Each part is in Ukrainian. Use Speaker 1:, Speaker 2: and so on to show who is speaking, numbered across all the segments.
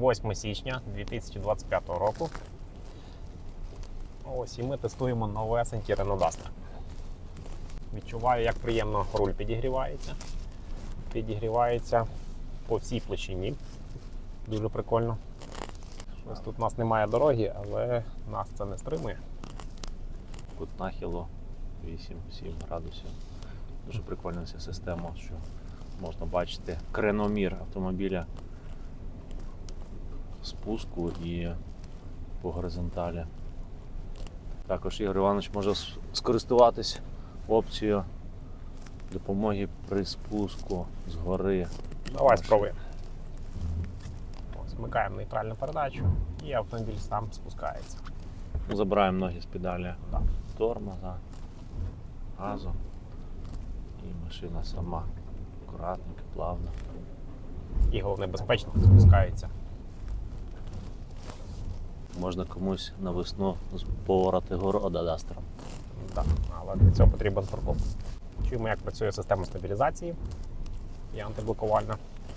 Speaker 1: 8 січня 2025 року. Ось і ми тестуємо новесенький Renault Duster. Відчуваю, як приємно руль підігрівається. Підігрівається по всій площині. Дуже прикольно. Ось тут у нас немає дороги, але нас це не стримує.
Speaker 2: Кут нахилу 8-7 градусів. Дуже прикольна ця система, що можна бачити креномір автомобіля спуску і по горизонталі. Також Ігор Іванович може скористуватись опцією допомоги при спуску згори.
Speaker 1: Давай спробуємо. Вмикаємо нейтральну передачу і автомобіль сам спускається.
Speaker 2: Забираємо ноги з педалі тормоза, газу, і машина сама акуратненько, плавно.
Speaker 1: І головне, безпечно спускається.
Speaker 2: Можна комусь на весну поворати города дастером.
Speaker 1: Так, але для цього потрібен фуркоп. Чуємо, як працює система стабілізації і антиблокувальна.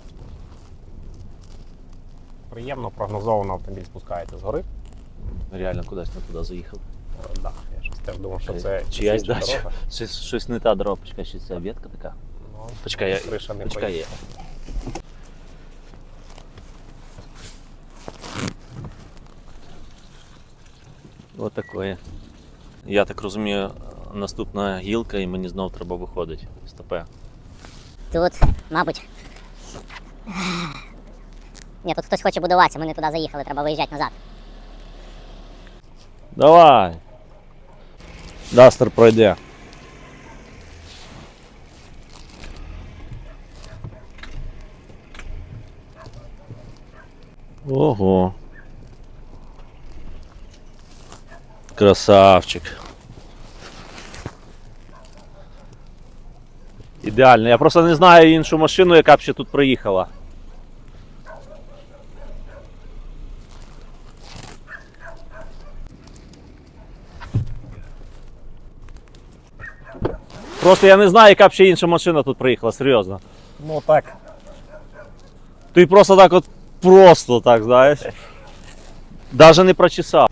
Speaker 1: Приємно, прогнозовано автомобіль спускається згори.
Speaker 2: Реально кудись не туди заїхав.
Speaker 1: Так, я щось теж думав, що це
Speaker 2: чиясь
Speaker 1: інша
Speaker 2: дача.
Speaker 1: дорога.
Speaker 2: Щось не та дорога, почекай, що це ветка така.
Speaker 1: Ну,
Speaker 2: Почекай,
Speaker 1: криша не
Speaker 2: почекай, є.
Speaker 1: поїхала.
Speaker 2: Ось такое. Я так розумію, наступна гілка і мені знов треба виходити з ТП.
Speaker 3: Тут, мабуть. Ні, тут хтось хоче будуватися, ми не туди заїхали, треба виїжджати назад.
Speaker 2: Давай! Дастер пройде. Ого. Красавчик. Ідеально. Я просто не знаю іншу машину, яка б ще тут приїхала. Просто я не знаю, яка б ще інша машина тут приїхала, серйозно.
Speaker 1: Ну так.
Speaker 2: Ти просто так от, просто так, знаєш. Даже не прочесав.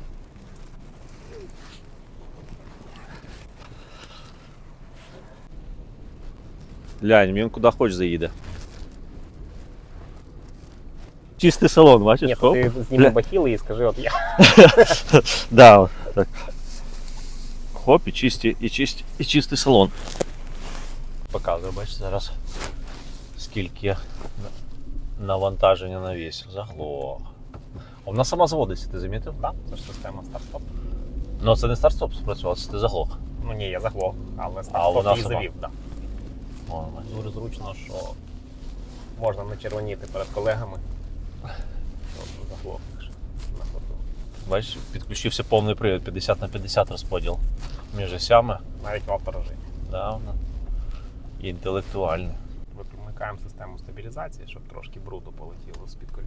Speaker 2: Глянь, він куди хочеш заїде. Чистий салон, бачиш?
Speaker 1: Ні,
Speaker 2: Хоп.
Speaker 1: ти зніми бахіли і скажи, от я.
Speaker 2: Да, от так. Хоп, і чистий салон. Показую, бачиш, зараз скільки навантаження на весь. Заглох. Вона сама заводиться, ти замітив?
Speaker 1: Так, це ж система старт-стоп.
Speaker 2: Ну це не старт-стоп спрацював, це ти заглох.
Speaker 1: Ну ні, я заглох, але
Speaker 2: вона
Speaker 1: старт-стоп її
Speaker 2: сама?
Speaker 1: завів. Так.
Speaker 2: О, бачиш.
Speaker 1: Дуже зручно, що можна не червоніти перед колегами. От заглохнеш на ходу.
Speaker 2: Бачиш, підключився повний привід, 50/50 розподіл між осями.
Speaker 1: Навіть в авторежимі.
Speaker 2: Да, вона інтелектуальна.
Speaker 1: Вимикаємо систему стабілізації, щоб трошки бруду полетіло з-під коліс.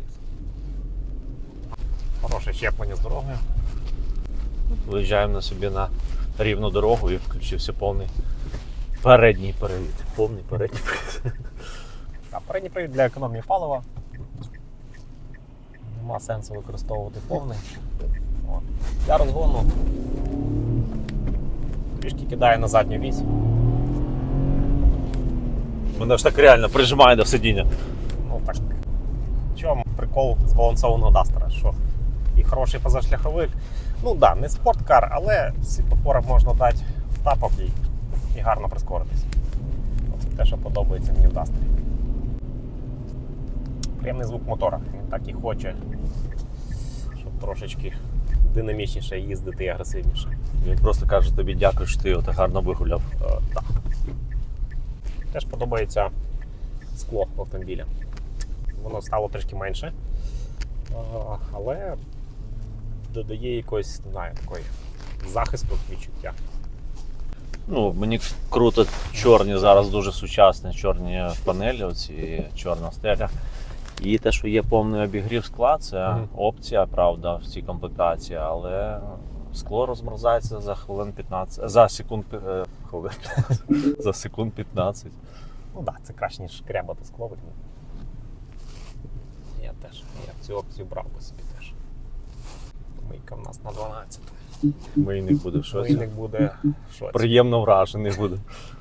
Speaker 1: Хороше щеплення з дорогою.
Speaker 2: Виїжджаємо на собі на рівну дорогу і включився повний передній привід. Повний передній привід.
Speaker 1: А передній привід для економії палива. Нема сенсу використовувати повний. От. Для розгону трішки кидає на задню вісь.
Speaker 2: Мене ж так реально прижимає до сидіння.
Speaker 1: Ну так, в чому прикол збалансованого дастера? Що і хороший позашляховик. Ну так, да, не спорткар, але світлофором можна дати в тапок і гарно прискоритись. Це те, що подобається мені в дастері. Приємний звук мотора. Він так і хоче, щоб трошечки динамічніше їздити і агресивніше.
Speaker 2: Він просто каже тобі дякую, що ти його так гарно вигуляв.
Speaker 1: Так. Теж подобається скло в автомобілі. Воно стало трішки менше, але додає якогось, не знаю, такої захисту, відчуття.
Speaker 2: Ну, мені круто чорні зараз дуже сучасні чорні панелі, оці чорна стеля. І те, що є повний обігрів скла, це опція, правда, в цій комплектації, але скло розмерзається за хвилин 15, за секунд, за секунд 15.
Speaker 1: Ну так, це краще, ніж шкрябати скло. Ні, теж. Я б цю опцію брав би собі теж. Мийка в нас на 12.
Speaker 2: Мийник буде в шоці.
Speaker 1: Мийник буде в шоці.
Speaker 2: Приємно вражений буде.